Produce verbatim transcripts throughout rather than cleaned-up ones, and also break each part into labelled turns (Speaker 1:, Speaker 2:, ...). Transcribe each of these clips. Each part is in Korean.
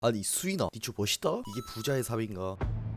Speaker 1: 아니 수인아 니초 멋있다? 이게 부자의 삶인가?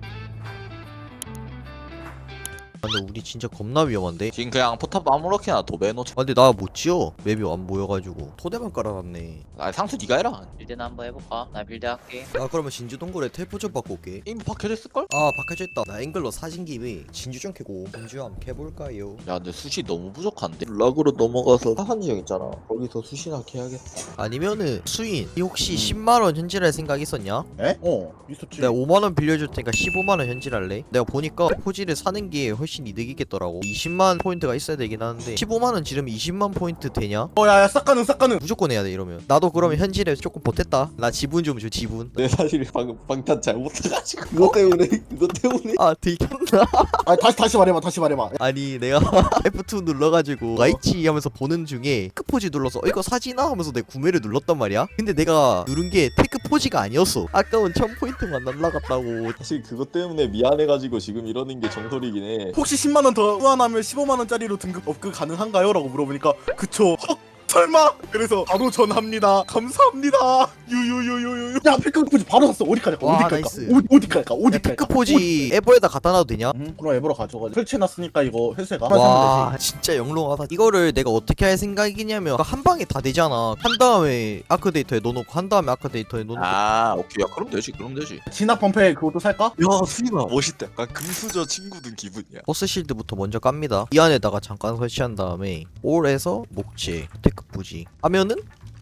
Speaker 1: 아, 근데 우리 진짜 겁나 위험한데?
Speaker 2: 지금 그냥 포탑 아무렇게나 도배해놓자.
Speaker 1: 아 근데 나 못 지어 맵이 안 보여가지고 토대만 깔아놨네.
Speaker 2: 아 상수 니가 해라.
Speaker 3: 빌드나 한번 해볼까? 나 빌드 할게.
Speaker 1: 나 그러면 진주 동굴에 텔포 좀 받고 올게.
Speaker 2: 이미 박혀졌을걸?
Speaker 1: 아 박혀져 있다. 나 앵글러 사진 김에 진주 좀 캐고 진주 한번 캐볼까요?
Speaker 2: 야 근데 수시 너무 부족한데? 락으로 넘어가서 하한지형 있잖아. 거기서 수시나 캐야겠다.
Speaker 1: 아니면은 수인 이 혹시
Speaker 2: 음.
Speaker 1: 십만원 현질할 생각 있었냐?
Speaker 4: 에? 어 있었지.
Speaker 1: 내가 오만원 빌려줄 테니까 십오만원 현질할래? 내가 보니까 포지를 사는 게 훨씬 이득이겠더라고. 이십만 포인트가 있어야 되긴 하는데 십오만원 지르면 이십만 포인트 되냐?
Speaker 4: 어 야야 싹가능 싹가능.
Speaker 1: 무조건 해야 돼 이러면. 나도 그러면 현질에 조금 보탰다. 나 지분 좀 줘 지분.
Speaker 2: 내 사실 방금 방탄 잘못해가지고 그거 때문에 그거 때문에
Speaker 1: 아 들켰나?
Speaker 4: 아 다시 다시 말해봐 다시 말해봐.
Speaker 1: 아니 내가 에프 투 눌러가지고 라이치 하면서 보는 중에 테크 포지 눌러서 어, 이거 사지나 하면서 내 구매를 눌렀단 말이야. 근데 내가 누른 게 테크 포지가 아니었어. 아까운 천 포인트만 날라갔다고.
Speaker 2: 사실 그것 때문에 미안해가지고 지금 이러는 게 정설이긴 해.
Speaker 4: 혹시 십만 원 더 후원하면 십오만 원짜리로 등급 업그 가능한가요? 라고 물어보니까 그쵸. 헉 설마? 그래서 바로 전합니다. 감사합니다. 유유유유유. 야 피크포지 바로 샀어. 어디 갈까?
Speaker 1: 와,
Speaker 4: 어디 갈까?
Speaker 1: 나이스.
Speaker 4: 어디 어디 갈까? 어디
Speaker 1: 야,
Speaker 4: 갈까?
Speaker 1: 테크 포지 에버에다 갖다 놔도 되냐?
Speaker 4: 응, 그럼 앱으로 가져가. 설치해놨으니까 이거 회수해가.
Speaker 1: 와 진짜 영롱하다. 이거를 내가 어떻게 할 생각이냐면 한 방에 다 되잖아. 한 다음에 아크 데이터에 넣어놓고 한 다음에 아크 데이터에 넣어놓고.
Speaker 2: 아 오케이 야 그럼 되지 그럼 되지.
Speaker 4: 진압 펌프에 그것도 살까?
Speaker 2: 야 수인아 멋있다. 약간 금수저 친구 든 기분이야.
Speaker 1: 버스 실드부터 먼저 깝니다. 이 안에다가 잠깐 설치한 다음에 올에서 목재 테크 포지 하면은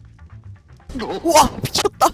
Speaker 1: 우와 미쳤다.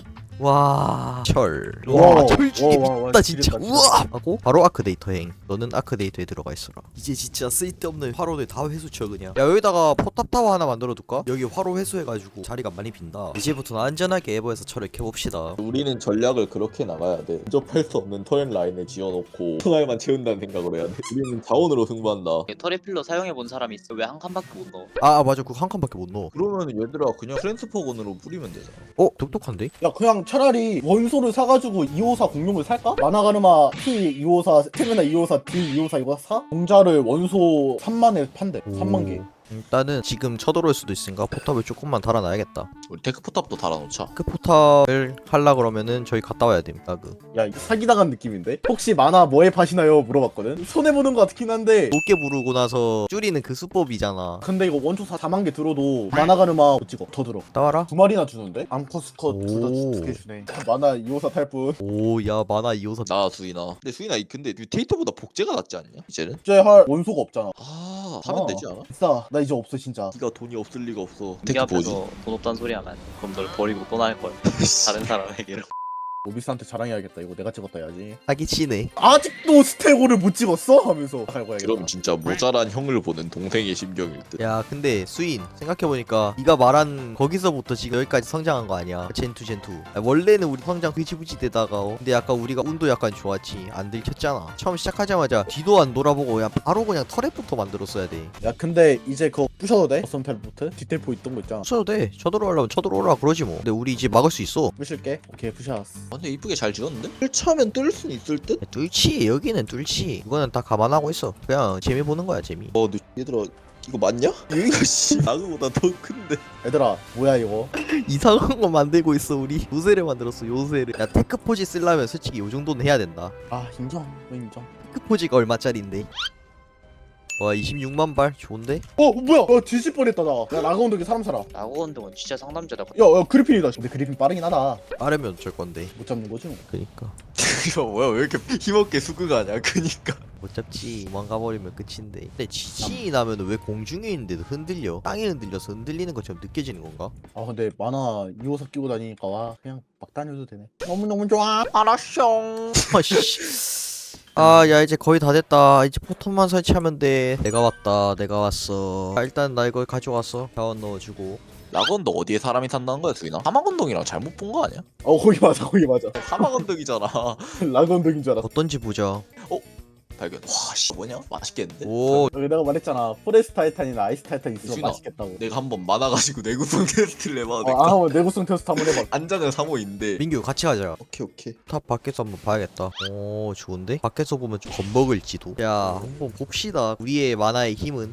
Speaker 1: 와 철. 와
Speaker 4: 와,
Speaker 1: 철중에
Speaker 4: 와, 와, 와,
Speaker 1: 미쳤다 진짜.
Speaker 4: 지렸다,
Speaker 1: 우와 하고 바로 아크 데이터행. 너는 아크 데이터에 들어가 있어라. 이제 진짜 쓸데없는 화로를 다 회수쳐 그냥. 야 여기다가 포탑 타워 하나 만들어 둘까? 여기 화로 회수해가지고 자리가 많이 빈다. 이제부터는 안전하게 에버에서 철을 캐봅시다.
Speaker 2: 우리는 전략을 그렇게 나가야 돼. 근접할 수 없는 터렛 라인을 지어놓고 터널만 채운다는 생각으로 해야 돼. 우리는 자원으로 승부한다.
Speaker 3: 터리필로 사용해본 사람이 있어. 왜 한 칸밖에 못 넣어?
Speaker 1: 아, 아 맞아 그거 한 칸밖에 못 넣어.
Speaker 2: 그러면 얘들아 그냥 트랜스퍼건으로 뿌리면 되잖아.
Speaker 1: 어 똑똑한데?
Speaker 4: 야 그냥 차라리 원소를 사가지고 이오사 공룡을 살까? 마나가르마 P 이오사, 스테미나 이오사, D 이오사 이거 사? 공자를 원소 삼만에 판대. 삼만 개.
Speaker 1: 일단은 지금 쳐들어올 수도 있으니까 포탑을 조금만 달아놔야겠다.
Speaker 2: 우리 테크 포탑도 달아놓자.
Speaker 1: 그 포탑을 하려 그러면은 저희 갔다 와야 됩니다. 그
Speaker 4: 야 이거 사기당한 느낌인데? 혹시 만화 뭐에 파시나요? 물어봤거든? 손해보는 거 같긴 한데
Speaker 1: 높게 부르고 나서 줄이는 그 수법이잖아.
Speaker 4: 근데 이거 원초 사만 개 들어도 마나가르마 못 찍어. 더 들어.
Speaker 1: 갔다 와라.
Speaker 4: 두 마리나 주는데? 암컷스컷
Speaker 1: 오.
Speaker 4: 두개 주네. 마나 이오사 탈뿐.
Speaker 1: 오 야 만화 이호선.
Speaker 2: 나 수인아. 근데 수인아 이 근데 뮤테이터보다 복제가 낫지 않냐? 이제는?
Speaker 4: 이제 할 원소가 없잖아.
Speaker 2: 아 사면
Speaker 4: 어.
Speaker 2: 되지 않아?
Speaker 4: 비싸. 나 이제 없어 진짜.
Speaker 2: 네가 돈이 없을 리가 없어.
Speaker 3: 우리
Speaker 2: 테크 뭐지?
Speaker 3: 앞에서 돈 없다는 소리 하면 그럼 널 버리고 떠날걸. 다른 사람에게로.
Speaker 4: 오비스한테 자랑해야겠다. 이거 내가 찍었다 해야지.
Speaker 1: 사기치네.
Speaker 4: 아직도 스테고를 못 찍었어? 하면서 갈고 해야겠다.
Speaker 2: 그럼 진짜 모자란 형을 보는 동생의 심경일 듯.
Speaker 1: 야 근데 수인 생각해보니까 네가 말한 거기서부터 지금 여기까지 성장한 거 아니야. 젠투 젠투. 야, 원래는 우리 성장 흐지부지 되다가 어. 근데 약간 우리가 운도 약간 좋았지. 안 들켰잖아. 처음 시작하자마자 뒤도 안 돌아보고 그냥 바로 그냥 터렛부터 만들었어야 돼.
Speaker 4: 야 근데 이제 그거 부셔도 돼? 버선 텔포트? 디테일포 있던 거 있잖아.
Speaker 1: 써도 돼. 쳐들어오려면 쳐들어오라 그러지 뭐. 근데 우리 이제 막을 수 있어.
Speaker 4: 부실게. 오케이 부셔왔어.
Speaker 2: 아, 근데 이쁘게 잘 지었는데? 뜰차면 뜰 순 있을 듯?
Speaker 1: 야, 뚫지 여기는 뚫지. 이거는 다 감안하고 있어. 그냥 재미 보는 거야 재미.
Speaker 2: 어, 너 얘들아 이거 맞냐? 여기가 씨 나그보다 더 큰데.
Speaker 4: 얘들아 뭐야 이거?
Speaker 1: 이상한 거 만들고 있어 우리. 요새를 만들었어 요새를. 야 테크 포지 쓰려면 솔직히 요 정도는 해야 된다.
Speaker 4: 아 인정. 너 인정.
Speaker 1: 테크 포지가 얼마짜린데? 와 이십육만 발 좋은데?
Speaker 4: 어 뭐야? 어 뒤질 뻔했다 나. 야 라그온덕이 사람 살아.
Speaker 3: 라고 운동은 진짜 상남자다.
Speaker 4: 야야 그리핀이다. 근데 그리핀 빠르긴 하다.
Speaker 1: 빠르면 어쩔 건데.
Speaker 4: 못 잡는 거지 뭐.
Speaker 1: 그니까
Speaker 2: 이거 뭐야 왜 이렇게 힘없게 수긍하냐? 그니까.
Speaker 1: 못 잡지. 도망가 버리면 끝인데. 근데 지진이 나면 왜 공중에 있는데도 흔들려? 땅이 흔들려서 흔들리는 것처럼 느껴지는 건가?
Speaker 4: 아 근데 만화 이호사 끼고 다니니까 와 그냥 막 다녀도 되네. 너무 너무 좋아. 알았쇼.
Speaker 1: 아씨. 아 야 이제 거의 다 됐다. 이제 포탑만 설치하면 돼. 내가 왔다. 내가 왔어. 아, 일단 나 이걸 가져왔어. 자원 넣어주고.
Speaker 2: 라건도 어디에 사람이 산다는 거야 수인아? 사막언덕이랑 잘못 본 거 아니야?
Speaker 4: 어 거기 맞아 거기 맞아.
Speaker 2: 사막언덕이잖아.
Speaker 4: 라그온덕인 줄 알았어.
Speaker 1: 어떤지 보자.
Speaker 2: 발견. 와씨 뭐냐? 맛있겠는데?
Speaker 1: 오
Speaker 4: 여기 내가 말했잖아. 포레스트 타이탄이나 아이스 타이탄 있으면
Speaker 2: 유진아,
Speaker 4: 맛있겠다고.
Speaker 2: 내가 한번 많아가지고 내구성 테스트를 해봐도
Speaker 4: 어,
Speaker 2: 될까?
Speaker 4: 아 한번 내구성 테스트 한번 해봐.
Speaker 2: 안장은 삼호인데.
Speaker 1: 민규 같이 가자.
Speaker 2: 오케이 오케이.
Speaker 1: 탑 밖에서 한번 봐야겠다. 오 좋은데? 밖에서 보면 좀 겁먹을지도. 야 한번 봅시다. 우리의 만화의 힘은.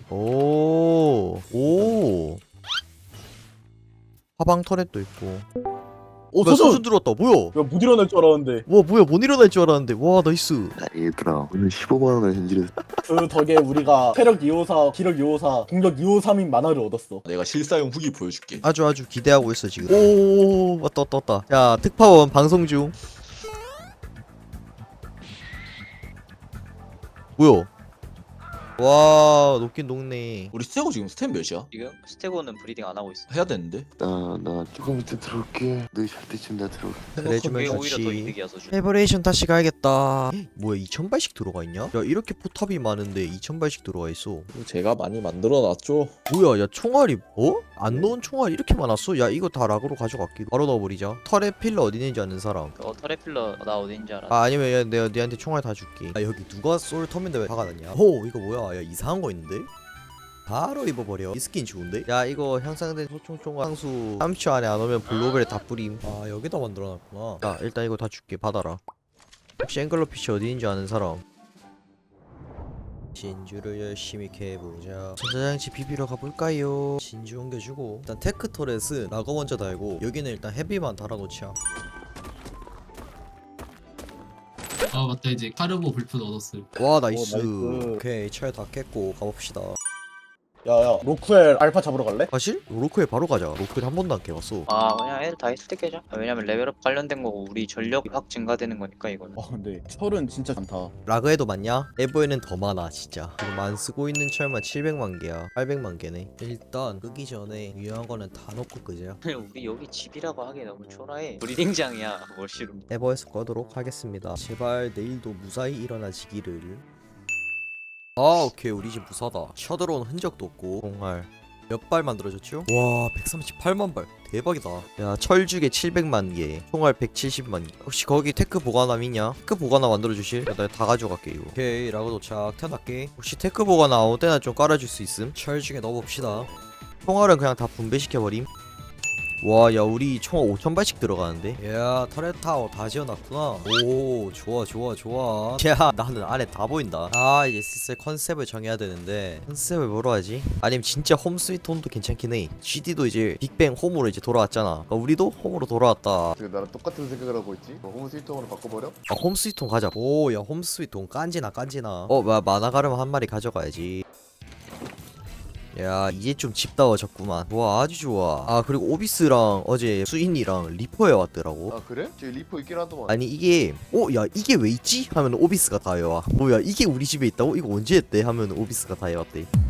Speaker 1: 오 오. 화방 터렛도 있고.
Speaker 4: 오
Speaker 1: 뭐야,
Speaker 4: 소준!
Speaker 1: 소준 들어왔다. 뭐야?
Speaker 4: 야못 일어날 줄 알았는데
Speaker 1: 와 뭐야 못 일어날 줄 알았는데. 와 나이스.
Speaker 5: 야, 얘들아 오늘 십오만 원을 현질했어.
Speaker 4: 그 덕에 우리가 체력 이오사, 기력 이오사, 공격 이오삼인 만화를 얻었어.
Speaker 2: 내가 실사용 후기 보여줄게.
Speaker 1: 아주 아주 기대하고 있어 지금. 오 왔다 왔다 왔다. 자 특파원 방송 중. 뭐야? 와 높긴 높네.
Speaker 2: 우리 스테고 지금 스텝 몇이야?
Speaker 3: 지금 스테고는 브리딩 안 하고 있어.
Speaker 2: 해야 되는데.
Speaker 5: 나 나 조금 이따 들어올게. 너희 잘 때쯤 나 들어올게.
Speaker 1: 그래주면
Speaker 3: 그게 오히려 더
Speaker 1: 좋지.
Speaker 3: 이득이야 서준.
Speaker 1: 에버레이션 다시 가야겠다. 뭐야 이천 발씩 들어가 있냐? 야 이렇게 포탑이 많은데 이천 발씩 들어가 있어.
Speaker 2: 제가 많이 만들어놨죠.
Speaker 1: 뭐야 야 총알이 어? 안 넣은 총알 이렇게 많았어? 야 이거 다 락으로 가져갈게. 바로 넣어버리자. 털에 필러 어디 있는지 아는 사람.
Speaker 3: 어 터레필러 나 어딘지 알아.
Speaker 1: 아 아니면 야, 내가 니한테 총알 다 줄게. 아 여기 누가 쏠 터인데 왜 박아놨냐? 오 이거 뭐야? 야 이상한 거 있는데? 바로 입어버려. 이 스킨 좋은데? 야 이거 향상된 소총총알 상수 삼십 초 안에 안 오면 블로벨에 다 뿌림. 아 여기다 만들어놨구나. 자 일단 이거 다 줄게. 받아라. 혹시 앵글러피쉬 어디 있는지 아는 사람? 진주를 열심히 캐보자. 전자장치 비비러 가볼까요? 진주 옮겨주고 일단 테크 터렛은 라거 먼저 달고 여기는 일단 헤비만 달아놓자.
Speaker 6: 아 맞다 이제 카르보 불프 얻었어요.
Speaker 1: 와 나이스.
Speaker 4: 오, 나이스.
Speaker 1: 오케이 철 다 깼고 가봅시다.
Speaker 4: 야야 로쿠엘 알파 잡으러 갈래?
Speaker 1: 사실 로크에 바로 가자. 로크에 한 번도 안 깨봤어.
Speaker 3: 아 그냥 애들 다 있을 때 깨자. 아, 왜냐면 레벨업 관련된 거고 우리 전력이 확 증가되는 거니까 이거는.
Speaker 4: 와 근데 철은 진짜 많다.
Speaker 1: 라그에도 많냐? 에버에는 더 많아 진짜. 지금 안 쓰고 있는 철만 칠백만 개야. 팔백만 개네. 일단 끄기 전에 유용한 거는 다 놓고 끄자.
Speaker 3: 우리 여기 집이라고 하기 너무 초라해. 브리딩장이야. 뭘 싫음.
Speaker 1: 에버에서 꺼도록 하겠습니다. 제발 내일도 무사히 일어나지기를. 아 오케이 우리 집 무사다. 쳐들어온 흔적도 없고. 총알 몇 발 만들어졌죠? 와 백삼십팔만 발 대박이다. 야 철죽에 칠백만 개, 총알 백칠십만 개. 혹시 거기 테크 보관함 있냐? 테크 보관함 만들어주실? 나 다 가져갈게 이거. 오케이 라고 도착. 태어날게. 혹시 테크 보관함 아무 때나 좀 깔아줄 수 있음? 철죽에 넣어봅시다. 총알은 그냥 다 분배시켜버림. 와 야 우리 총 오천 발씩 들어가는데. 야 터렛 타워 다 지어놨구나. 오 좋아 좋아 좋아. 야 나는 안에 다 보인다. 아 이제 슬슬 컨셉을 정해야 되는데 컨셉을 뭐로 하지? 아니면 진짜 홈 스위트 홈도 괜찮긴 해. 지디도 이제 빅뱅 홈으로 이제 돌아왔잖아. 그러니까 우리도 홈으로 돌아왔다.
Speaker 5: 지금 나랑 똑같은 생각을 하고 있지? 뭐 홈 스위트홈으로 바꿔버려?
Speaker 1: 아, 홈 스위트 홈 가자. 오 야 홈 스위트 홈 깐지나 깐지나. 어 마, 만화 가르마 한 마리 가져가야지. 야 이제 좀 집다워졌구만. 와 아주 좋아. 아 그리고 오비스랑 어제 수인이랑 리퍼에 왔더라고.
Speaker 5: 아 그래? 저기 리포 있긴 하더만.
Speaker 1: 아니 이게 어 야 이게 왜 있지? 하면 오비스가 다 해와. 뭐야 이게 우리 집에 있다고? 이거 언제 했대? 하면 오비스가 다 해왔대.